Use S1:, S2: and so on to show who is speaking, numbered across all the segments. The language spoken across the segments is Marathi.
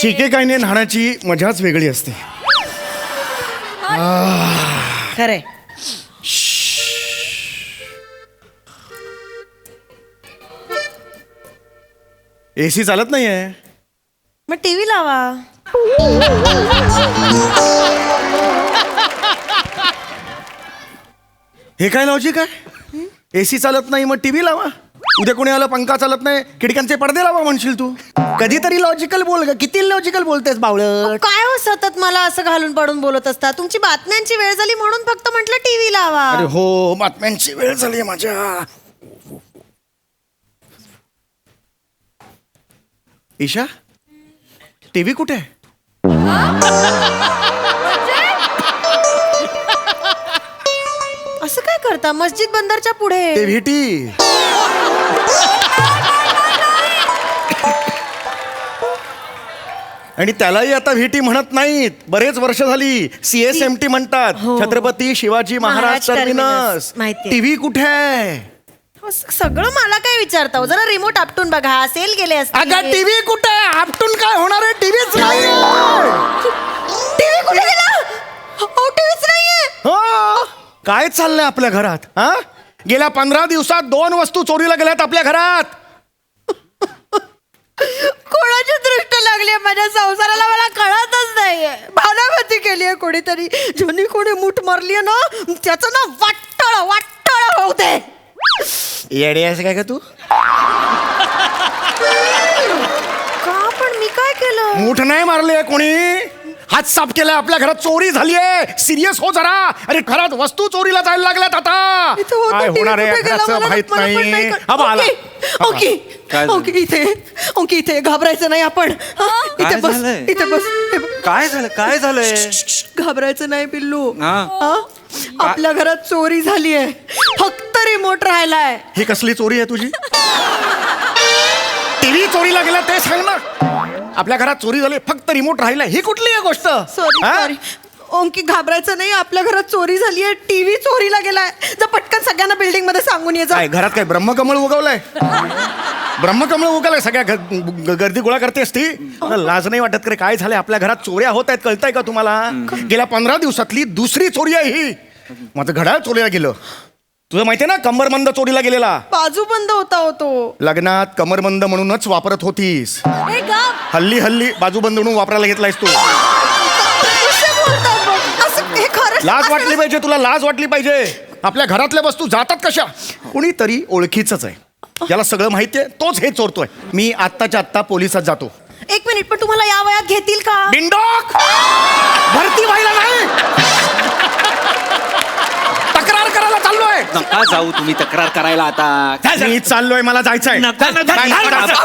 S1: शिकेकाईने न्हाण्याची मजाच वेगळी असते.
S2: खरे
S1: एसी चालत नाहीये.
S2: मग टीव्ही लावा.
S1: हे काय लॉजिक आहे? एसी चालत नाही मग टीव्ही लावा. उद्या कोणी आलं पंखा चालत नाही खिडक्यांचे पडदे लावा म्हणशील तू. कधीतरी लॉजिकल बोल ग. किती लॉजिकल बोलतेस बावळट.
S2: काय हो सतत मला असं घालून पडून बोलत असता. तुमची बातम्यांची वेळ झाली म्हणून फक्त म्हटलं टीव्ही लावा.
S1: अरे हो बातम्यांची वेळ झाली माझ्या. ईशा टीव्ही कुठे आहे?
S2: असं काय करता मस्जिद बंदरच्या पुढे?
S1: ते व्हीटी. आणि त्यालाही आता व्हीटी म्हणत नाहीत. बरेच वर्ष झाली CSMT म्हणतात.
S2: हो.
S1: छत्रपती शिवाजी महाराज
S2: महाराज
S1: टर्मिनस.
S2: टर्मिनस. माहितीये.
S1: टीव्ही कुठे आहे?
S2: सगळं मला काय विचारता हो? जरा रिमोट आपटून बघा. सेल गेले असते.
S1: अगं टीव्ही कुठे आहे? आपटून काय होणार आहे? टीव्हीच नाही.
S2: टीव्ही कुठे गेला? हो टीव्हीच नाहीये.
S1: हो काय चाललंय आपल्या घरात? हा गेल्या 15 दिवसात 2 वस्तू चोरीला गेल्यात आपल्या घरात.
S2: कोणाची दृष्ट लागली माझ्या संसाराला मला कळतच नाहीये. भानामती केली आहे कोणीतरी. ज्यांनी कोणी मूठ मारली ना त्याचं ना वाटळ वाटळ होऊ दे.
S1: येडे आहेस काय का तू?
S2: का पण मी काय केलं?
S1: मूठ नाही मारले कोणी. हात साफ केलाय. आपल्या घरात चोरी झाली आहे. सिरियस हो जरा. अरे घरात वस्तू चोरीला जायला लागल्यात आता.
S2: इथं होतं
S1: काय
S2: TV
S1: होणार आहे
S2: कुठे गेला
S1: घराचं
S2: मला
S1: माहित
S2: पण
S1: नाही.
S2: कळत.
S1: हा बा आला.
S2: ओके
S3: काय झालं?
S2: ओके ओके इथे घाबरायचं नाही आपण. हा, इथे
S3: काय
S2: बस
S3: झालंय?
S2: इथे बस. हे बघ.
S3: काय झालं काय झालंय?
S2: घाबरायचं नाही पिल्लू.
S3: हा.
S2: हा? आपल्या घरात चोरी झाली आहे. फक्त रिमोट राहिलाय.
S1: ही कसली चोरी आहे तुझी? टीव्ही चोरीला गेला ते सांग ना. आपल्या घरात चोरी झाली फक्त रिमोट राहिला. ही कुठली आहे गोष्ट?
S2: सॉरी
S1: हा?
S2: सॉरी ओंकी घाबरायचं नाही. आपल्या घरात चोरी झाली आहे. टीव्ही चोरीला गेलाय. जा पटकन सगळ्यांना बिल्डिंग मध्ये सांगून ये जा.
S1: काय घरात काय ब्रह्मकमळ उगवलंय? ब्रह्मकमळ उगवलंय. सगळ्या गर्दी गोळा करतेस ती. लाज नाही वाटत करे? काय झालंय आपल्या घरात चोऱ्या होत आहेत कळतंय का तुम्हाला? गेल्या 15 दिवसातली दुसरी चोरी आहे ही. माझं घड्याळ चोरीला गेलं. तुझं माहितीये ना कमरबंद चोरीला गेलेला.
S2: बाजू बंद होता होतो.
S1: लग्नात कमरबंद म्हणूनच वापरत होतीस. हल्ली हल्ली बाजूबंद म्हणून वापरायला घेतलायस तू.
S2: हे खरं
S1: लाज वाटली पाहिजे तुला. लाज वाटली पाहिजे. आपल्या घरातल्या वस्तू जातात कशा? कुणीतरी ओळखीच आहे. ज्याला सगळं माहितीये तोच हे चोरतोय. मी आत्ताच्या आत्ता पोलिसात जातो.
S2: एक मिनिट पण तुम्हाला या वयात घेतील का?
S1: बिंडोक भरती व्हायला नाही. तक्रार करायला चाललोय.
S3: नका जाऊ तुम्ही तक्रार करायला आता.
S1: मी चाललोय. मला जायचंय.
S3: नका, नका.
S1: काय- काय- काय-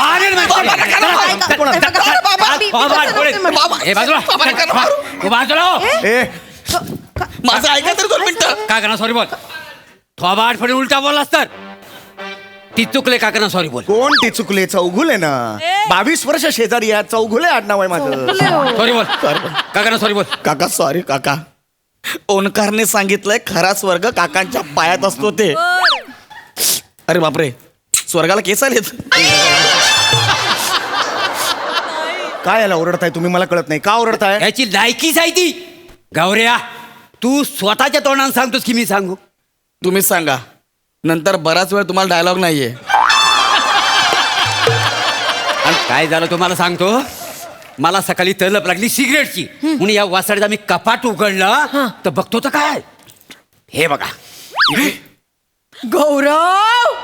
S1: ए,
S3: माझं ऐका तर 2 मिनिटं.
S4: काय करणार सॉरी बोल. थोबाड फडी उलटा बोललास तर ती चुकले. काय करणार सॉरी बोल.
S1: कोण ती चुकले? चौघुले ना. 22 वर्ष शेजारी या चौघुले आडनाव आहे माझं.
S4: सॉरी बोल. काय करणार सॉरी बोल.
S3: काका सॉरी काका. ओंकारने सांगितलंय खरा स्वर्ग काकांच्या पायात असतो ते. अरे बापरे स्वर्गाला केस आलेत.
S1: काय याला ओरडताय तुम्ही? मला कळत नाही का ओरडताय.
S4: याची लायकीच आहे ती. गौऱ्या तू स्वतःच्या तोंडाने सांगतोस की मी सांगू?
S3: तुम्हीच सांगा. नंतर बराच वेळ तुम्हाला डायलॉग नाहीये.
S4: आणि काय झालं तुम्हाला सांगतो. मला सकाळी तलप लागली सिगरेटची. म्हणून या वासाडीचा मी कपाट उघडलं तर बघतो तर काय हे बघा.
S2: गौरव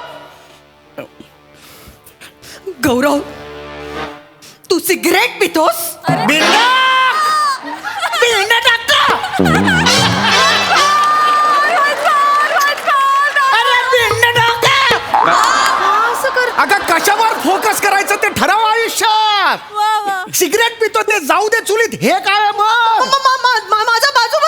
S2: गौरव तू सिगरेट पितोस? असं कर.
S1: अगं कशावर फोकस करायचं ते ठराव आयुष्यात. सिगरेट पितो ते जाऊ दे चुलीत. हे काय मग?
S2: माझा बाजू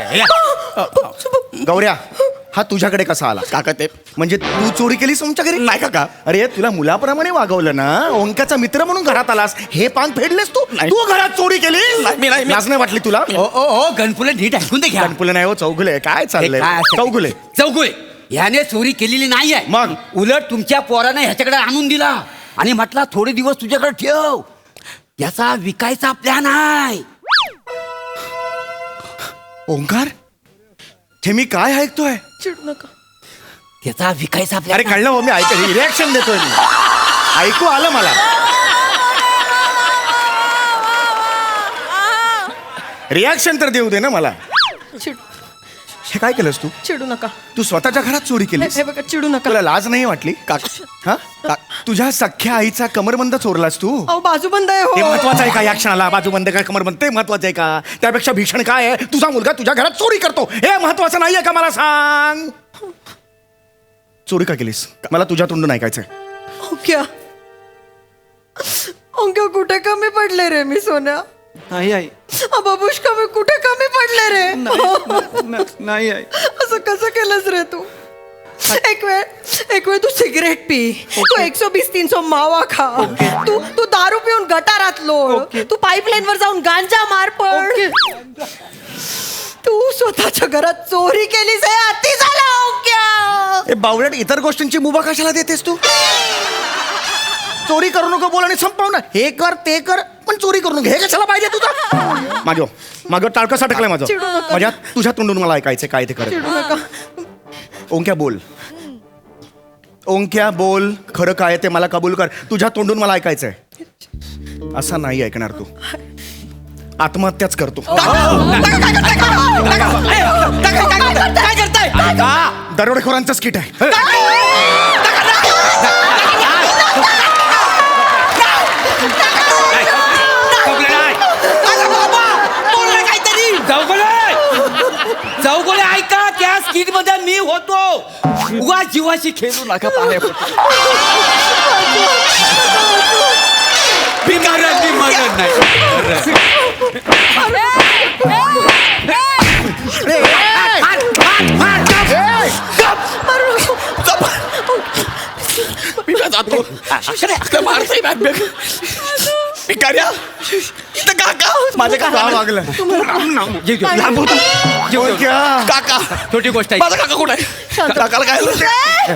S2: बंद.
S1: गौऱ्या हा तुझ्याकडे कसा आला?
S3: काका ते
S1: म्हणजे तू चोरी केलीस तुमच्या घरी?
S3: नाही काका.
S1: अरे तुला मुलाप्रमाणे वागवलं ना. ओंकाचा मित्र म्हणून घरात आलास. हे पान फेडलेस तू.
S3: नाही.
S1: तू घरात चोरी केली.
S3: मी नाही.
S1: लाज नाही वाटली तुला?
S4: ओ ओ ओ गणपुले नीट ऐकून ते घ्या.
S1: गणपुले नाही हो चौघुले. काय चाललंय? चौघुले
S4: चौगुले ह्याने चोरी केलेली नाही आहे.
S1: मग?
S4: उलट तुमच्या पोराने ह्याच्याकडे आणून दिला आणि म्हटला थोडे दिवस तुझ्याकडे ठेव. याचा विकायचा प्लॅन आहे.
S1: ओंकार हे मी काय ऐकतोय?
S2: चिडू नका.
S4: त्याचा विकायचा
S1: अरे
S4: प्लॅन.
S1: कळलं हो, मी ऐक रिॲक्शन देतोय मी. ऐकू आलं मला. रिॲक्शन तर देऊ दे ना मला. हे काय केलंस तू?
S2: चिडू नका.
S1: तू स्वतःच्या घरात चोरी केलीस?
S2: हे बघा, चिडू नका.
S1: तुला लाज नाही वाटली?
S3: काका
S1: हा? तुझ्या सख्ख्या आईचा कमरबंद चोरलास तू?
S2: अहो बाजूबंद आहे
S1: हे
S2: हो.
S1: महत्वाचं आहे का या क्षणाला? बाजूबंद काय कमरबंद ते महत्वाचं आहे का? त्यापेक्षा भीषण काय आहे, तुझा मुलगा तुझ्या घरात चोरी करतो हे महत्वाचं नाहीये का? मला सांग, चोरी का केलीस? मला तुझ्या तोंडून ऐकायचंय.
S2: ओंक्या ओंक्या कुठे कमी पडले रे मी सोन्या?
S3: नाही आई,
S2: बाबूश कमी कुठे कमी पडले रे?
S3: नाही आई.
S2: असं कसं केलंस रे तू? एक वेळ तू सिगरेट पी, तू 120-300 मावा खा, तू दारू पिऊन गटारात लोळ, तू पाईपलाईन वर जाऊन गांजा मार पड, तू स्वतःच्या घरात चोरी केलीस. हे अति झालं ओंक्या.
S1: हे बावळट इतर गोष्टींची मुभा कशाला देतेस तू? चोरी करू नको बोल आणि संपव ना. हे कर ते कर पण चोरी करू नको. हे कशाला पाहिजे तुझं? माझं टाळकं अटकलंय माझं.
S2: चिडू नका.
S1: माझ्या तुझ्या तोंडून मला ऐकायचंय काय ते कर.
S2: चिडू नका.
S1: ओंक्या बोल, ओंक्या बोल, खरं काय ते मला कबूल कर. तुझ्या तोंडून मला ऐकायचंय. असं नाही ऐकणार तू. आत्महत्याच करतो.
S3: काय करताय?
S1: दरोडेखोरांचं स्किट आहे.
S4: चौगुले ऐका, त्या स्किट मध्ये मी होतो. उगा जीवाशी खेळू नका. बिनधास्त मरण नाही.
S3: माझे
S1: का
S3: काका
S1: वागलं?
S3: काका
S4: छोटी गोष्ट आहे.
S3: माझा काका कुठे आहे? काकाला काय झालं?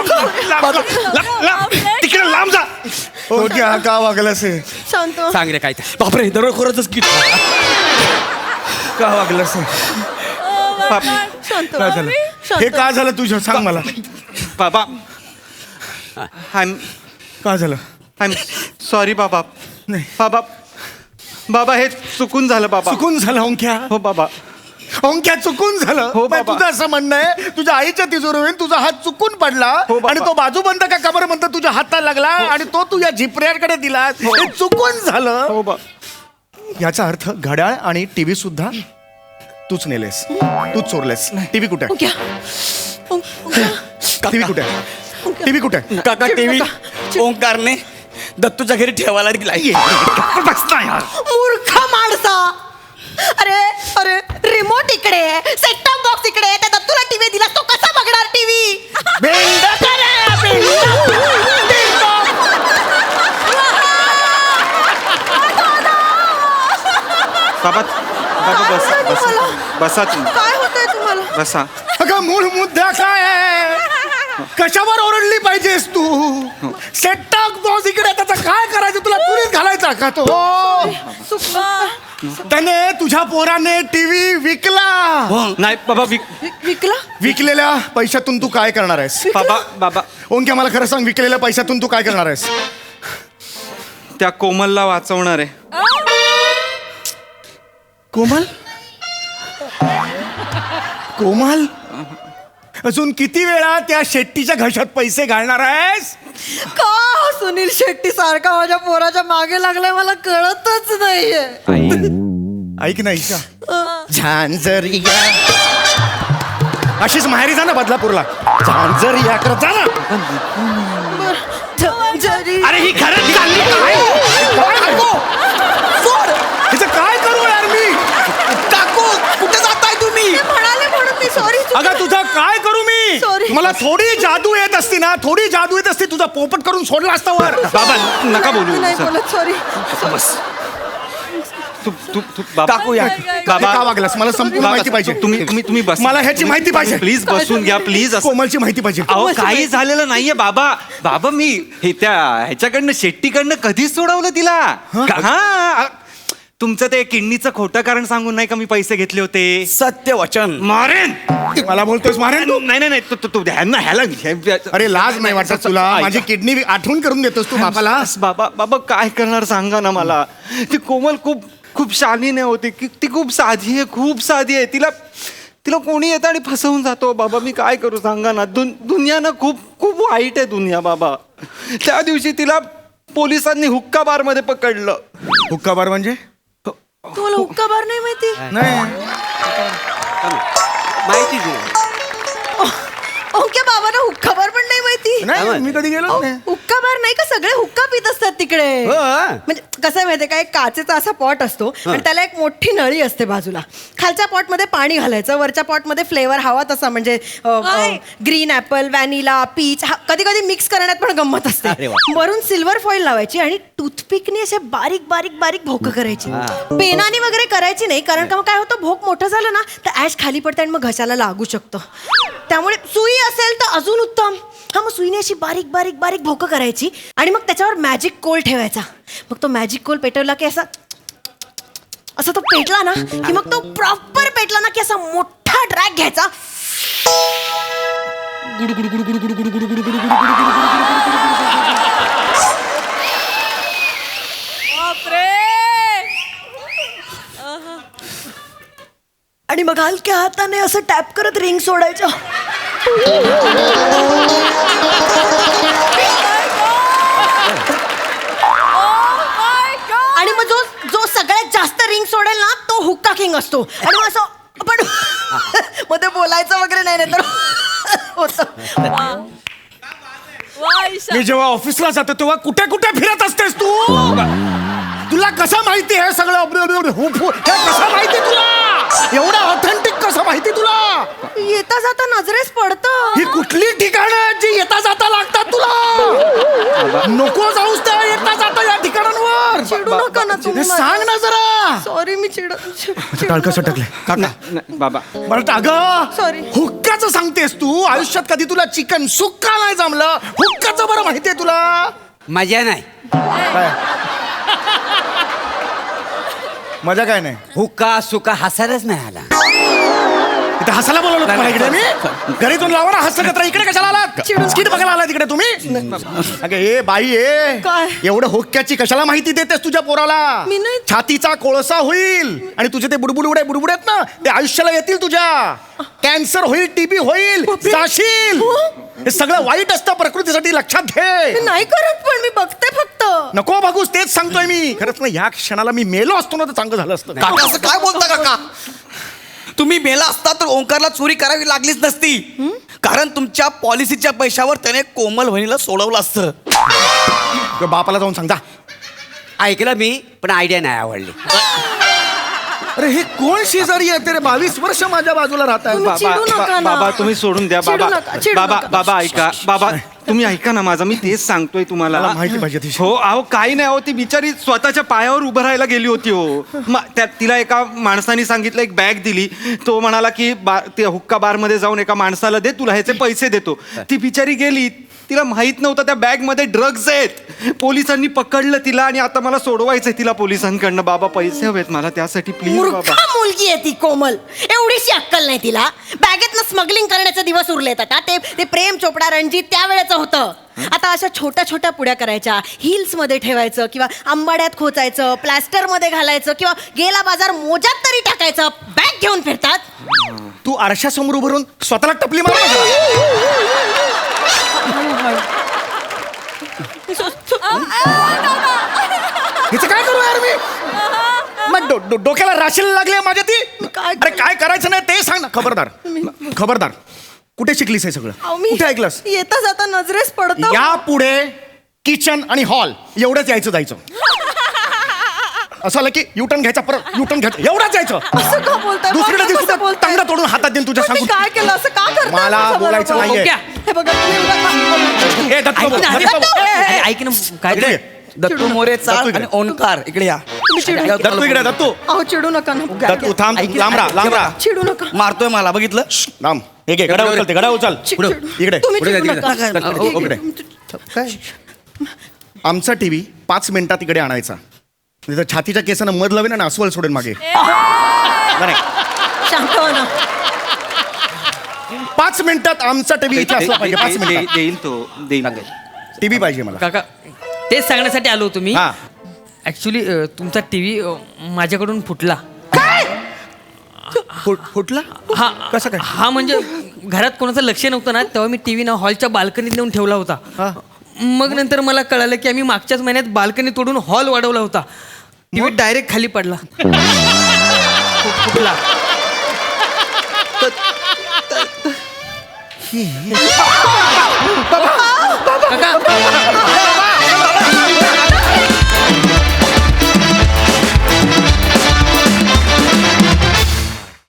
S1: तिकडे लांब जा. ओंक्या का वागलंस हे?
S2: शांत हो.
S4: सांग रे काय ते.
S3: बापरे, दरोडेखोराचंच गीत.
S1: का वागलंस हे?
S2: शांत
S1: काय झालं?
S2: शांत.
S1: हे का झालं तुझं? सांग मला.
S5: बाबा
S1: का झालं?
S5: आय एम सॉरी बाबा.
S1: नाही.
S5: बाबा बाबा हे चुकून झालं बाबा.
S1: चुकून झालं ओंक्या.
S5: हो बाबा.
S1: ओंक्या चुकून झालं.
S5: हो,
S1: बाई,
S5: बाबा.
S1: तुझं असं म्हणणं आहे तुझ्या आईच्या तिजोरीवरून तुझा हात चुकून पडला
S5: हो, बाबा.
S1: आणि तो बाजूबंद का कमरबंद तुझ्या हाताला लागला आणि तो तुझ्या झिपऱ्याकडे दिला. हे चुकून झालं.
S5: हो बा.
S1: याचा अर्थ घड्याळ आणि टीव्ही सुद्धा तूच नेलेस, तूच चोरलेस. टीव्ही कुठे?
S2: ओंक्या
S1: टीव्ही कुठे? टीव्ही कुठे?
S3: काका टीव्ही ओंकारने दत्तूच्या घरी ठेवायला दिलाय.
S2: मूर्ख माणसा. अरे अरे रिमोट इकडे, सेट टॉप बॉक्स इकडे, त्या दत्तूला टीव्ही दिला, तो कसा बघणार टीव्ही?
S5: बाबा बाबा बसा बसा तुम्ही.
S2: काय होतंय तुम्हाला?
S5: बसा.
S1: अगं मूळ मुद्दा काय आहे? कशावर ओरडली पाहिजेस तू? सेट टॉप बॉक्स इकडे, त्याचा काय करायचं? तुला पुरीत घालायचा का तो? त्याने तुझ्या पोराने टीव्ही विकला.
S5: नाही बाबा
S2: विकला?
S1: विकलेल्या पैशातून तू काय करणार आहेस?
S5: बाबा बाबा
S1: ओंक्या मला खरं सांग, विकलेल्या पैशातून तू काय करणार आहेस?
S5: त्या कोमलला वाचवणार आहे.
S1: कोमल? कोमल? अजून किती वेळा त्या शेट्टीच्या घशात पैसे घालणार आहेस?
S2: का सुनील शेट्टी सारखा माझ्या पोराच्या मागे लागलाय मला कळतच नाहीये.
S1: ऐक ना ईशा, झांझरिया अशीच माहेरी जा ना बदलापूरला. झांझरिया कर जा ना.
S2: जरी
S1: अरे ही खरंच चालली काय? हिचं काय करू यार मी?
S3: काकू कुठे जाताय तुम्ही?
S2: म्हणाले म्हणून मी सॉरी.
S1: अगं तुझं काय करू मी?
S2: Sorry.
S1: मला थोडी जादू येत असती ना, थोडी जादू येत असती, तुझा पोपट करून सोडला असता वर.
S5: बाबा नका बोलू
S2: नाही
S5: सर.
S2: बोलत, सॉरी.
S3: बस
S5: बाबा
S3: काकू या.
S5: बाबा
S1: का वागलास मला संपूर्ण
S5: बाबा,
S1: माहिती पाहिजे
S5: तुम्ही बस
S1: मला ह्याची माहिती पाहिजे.
S5: प्लीज बसून घ्या प्लीज
S1: कोमलची माहिती पाहिजे.
S5: अहो काही झालेलं नाहीये बाबा बाबा मी हे त्या ह्याच्याकडनं शेट्टीकडनं कधीच सोडवलं तिला हा तुमचं ते किडनीचं खोटं कारण सांगून नाही का मी पैसे घेतले होते
S3: सत्य वचन.
S5: मारेन
S1: मला बोलतोयस मारेन तू?
S5: नाही नाही नाही तू ह्यांना ह्याला
S1: अरे लाज नाही वाटत तुला? माझी किडनी आठवण करून देतोस तू बापाला.
S5: बाबा बाबा काय करणार सांगा ना मला ती कोमल खूप खूप शालीने होती ती खूप साधी आहे खूप साधी आहे तिला तिला कोणी येतं आणि फसवून जातो बाबा मी काय करू सांगा ना दुनिया ना खूप खूप वाईट आहे दुनिया बाबा त्या दिवशी तिला पोलिसांनी हुक्का बार मध्ये पकडलं
S1: हुक्का बार म्हणजे?
S2: तुम्हाला हुक्का बार नाही माहिती?
S1: नाही
S4: माहिती तुला
S2: ओके बाबांना हुक्का बार पण नाही माहिती?
S1: नाही मी कधी गेलो नाही.
S2: हुक्का बार नाही का सगळे हुक्का पित असतात तिकडे.
S4: हो.
S2: म्हणजे कसं आहे माहितीये का एक काचेचा असा पॉट असतो आणि त्याला एक मोठी नळी असते बाजूला. खालच्या पॉट मध्ये पाणी घालायचं वरच्या पॉट मध्ये फ्लेवर हवा तसा म्हणजे ग्रीन ऍपल व्हॅनिला पीच कधी कधी मिक्स करण्यात पण गंमत असते.
S4: अरे वा.
S2: वरून सिल्वर फॉईल लावायची आणि टूथपिकने असे बारीक बारीक बारीक भोकं करायची. पेनाने वगैरे करायची नाही कारण का मग काय होतं भोक मोठं झालं ना तर ऍश खाली पडते आणि मग घशाला लागू शकतं. त्यामुळे सुई असेल तर अजून उत्तम. हा मग सुईने अशी बारीक बारीक बारीक भोकं करायची आणि मग त्याच्यावर मॅजिक कोल ठेवायचा. मग तो मॅजिक कोल पेटवला की असा तो पेटला ना की मग तो प्रॉपर पेटला ना की असा मोठा ड्रॅग घ्यायचा आणि मग हलक्या हाताने असं टॅप करत रिंग सोडायचं. आणि मग जो जो सगळ्यात जास्त रिंग सोडेल ना तो हुक्का किंग असतो. आणि मग असं आपण मग ते बोलायचं वगैरे नाही तर होतं.
S1: मी जेव्हा ऑफिसला जातो तेव्हा कुठे कुठे फिरत असतेस तू? तुला कसं माहिती हे सगळं? हे कसं माहिती तुला? एवढं ऑथेंटिक कसं माहिती तुला?
S2: येता जाता नजरेस पडतं.
S1: ही कुठली ठिकाणं आहेत जी येता जाता लागतात तुला? नको जाऊस त्या येता जाता या ठिकाणांवर.
S2: चिडू नका ना
S1: हे
S2: तुम्ही.
S1: सांग ना जरा.
S2: सॉरी मी
S1: टाळकं सटकले काका.
S5: नाही, बाबा
S1: बरं अगं
S2: Sorry.
S1: हुक्काचं सांगतेस तू? आयुष्यात कधी तुला चिकन सुक्का नाही जमलं? हुक्काचं बरं माहितीये तुला?
S4: मजा नाही.
S1: काय मजा काय नाही?
S4: हुक्का सुका हसायलाच नाही आला.
S1: इथे हसायला बोलवलं तुम्हाला इकडे मी? घरी जाऊन लावा ना हसत कचरा. इकडे कशाला आलात? स्किट बघायला आला तिकडे तुम्ही? अगं ए बाई ए
S2: काय?
S1: एवढं हुक्क्याची कशाला माहिती देतेस तुझ्या पोराला?
S2: मी नाही.
S1: छातीचा कोळसा होईल आणि तुझे ते बुडबुड आहेत ना ते आयुष्याला येतील तुझ्या. कॅन्सर होईल टीबी होईल जाशील. हे सगळं वाईट असतं प्रकृतीसाठी लक्षात
S2: मी
S1: घे.
S2: नाही करत पण मी बघते फक्त.
S1: नको बघूस तेच सांगतोय मी. खरंच ना ह्या क्षणाला मी मेलो असतो ना तर चांगलं झालं असतं.
S3: काका असं काय बोलता काका? तुम्ही मेला असता तर ओंकारला चोरी करावी लागलीच नसती. कारण तुमच्या पॉलिसीच्या पैशावर त्याने कोमल वहिनीला सोडवलं असतं.
S1: किंवा बापाला जाऊन सांग जा.
S4: ऐकलं मी पण आयडिया नाही आवडली.
S1: अरे हे कोण शेजारी आहे? ते 22 वर्ष माझ्या बाजूला राहत आहे.
S2: तुम्ही चिडू नका ना.
S5: बाबा तुम्ही सोडून द्या
S2: चिडू
S5: बाबा
S2: नका, चिडू
S5: बाबा
S2: नका.
S5: बाबा ऐका बाबा तुम्ही ऐका ना माझं मी तेच सांगतोय तुम्हाला.
S1: मला माहिती पाहिजे ती.
S5: हो अहो काही नाही हो ती बिचारी स्वतःच्या पायावर उभं राहायला गेली होती हो. तिला एका माणसाने सांगितलं एक बॅग दिली. तो म्हणाला की ते हुक्का बार मध्ये जाऊन एका माणसाला दे तुला ह्याचे पैसे देतो. ती बिचारी गेली. तिला माहित नव्हतं त्या बॅग मध्ये ड्रग्ज आहेत. पोलिसांनी पकडलं तिला आणि आता मला सोडवायचंय तिला पोलिसांकडनं. बाबा पैसे हवेत मला त्यासाठी प्लीज बाबा.
S2: मूर्खा मुलगी आहे ती कोमल. एवढीशी अक्कल नाही तिला. बॅगेतनं स्मगलिंग करण्याचे दिवस उरलेत आता. ते प्रेम चोपडा रणजित त्यावेळेचं होतं. आता अशा छोट्या छोट्या पुड्या करायच्या. हिल्स मध्ये ठेवायचं किंवा आंबाड्यात खोचायचं प्लॅस्टर मध्ये घालायचं किंवा गेला बाजार मोजात तरी टाकायचं. बॅग घेऊन फिरतात.
S1: तू आरशासमोर उभं राहून स्वतःला टपली मार. हिचं काय करू यार मी? मग डोक्याला राशीला लागले माझ्या ती. अरे काय करायचं नाही ते सांग ना. खबरदार कुठे शिकलीस हे सगळं? कुठे ऐकलंस?
S2: येता जाता नजरेस पडतं.
S1: या पुढे किचन आणि हॉल एवढंच यायचं जायचं. असं आलं की युटर्न घ्यायचा परत युटर्न घ्यायचं एवढंच जायचं.
S2: असं का बोलताय?
S1: दुसरीकडे
S2: असं
S1: दिवशी
S2: कसं बोलताय?
S1: तांगडा तोडून हातात देईल तुझ्या
S2: पण मी
S1: सांगून.
S2: काय केलं असं का करताय?
S1: मला
S2: माझ्या
S1: बोलायचं
S2: बरोबर?
S1: नाहीये.
S2: हे बघा तुम्ही उगाच-
S1: ए, दत्त बाबू, दत्त बाबू.
S4: ऐक ना काय
S1: इकडे ये.
S3: दत्तू मोरे
S1: दत्तू
S3: चाळ
S1: इकडे.
S3: आणि ओंकार इकडे या
S2: तुम्ही चिडू
S1: दत्तू इकडे दत्तू
S2: अहो चिडू नका ना
S1: दत्तू थांब
S3: ऐक-
S1: लांब राहा लांब राहा
S2: चिडू नका
S3: मारतोय मला बघितलं
S1: लांब हे घे गडा उचलते गडा उचल
S2: चिडू.
S1: इकडे
S2: तुम्ही
S4: पुढे
S2: चिडू
S4: जा,
S2: नका.
S3: तिकडे जा.
S2: ठीक
S1: इकडे.
S2: आहे.
S1: आमचा टीव्ही 5 मिनिटात इकडे आणायचा नाही तर छातीच्या केसानं मध लावेन आणि अस्वल सोडेन मागे नाही
S2: शांत हो ना
S1: 5 मिनिटात आमचा टीव्ही इथे असला पाहिजे 5 मिनिटात
S5: देईल तो देईल
S1: टीव्ही पाहिजे मला
S6: काका तेच सांगण्यासाठी आलो तुम्ही
S1: हा
S6: ऍक्च्युली तुमचा टीव्ही माझ्याकडून फुटला
S1: फुटला
S6: हा
S1: कसं काय?
S6: हा म्हणजे घरात कोणाचं लक्ष नव्हतं ना तेव्हा मी टीव्ही ना हॉलच्या बाल्कनीत नेऊन ठेवला होता
S1: हा.
S6: मग नंतर मला कळालं की आम्ही मागच्याच महिन्यात बाल्कनी तोडून हॉल वाढवला होता टीव्ही डायरेक्ट खाली पडला फुटला काका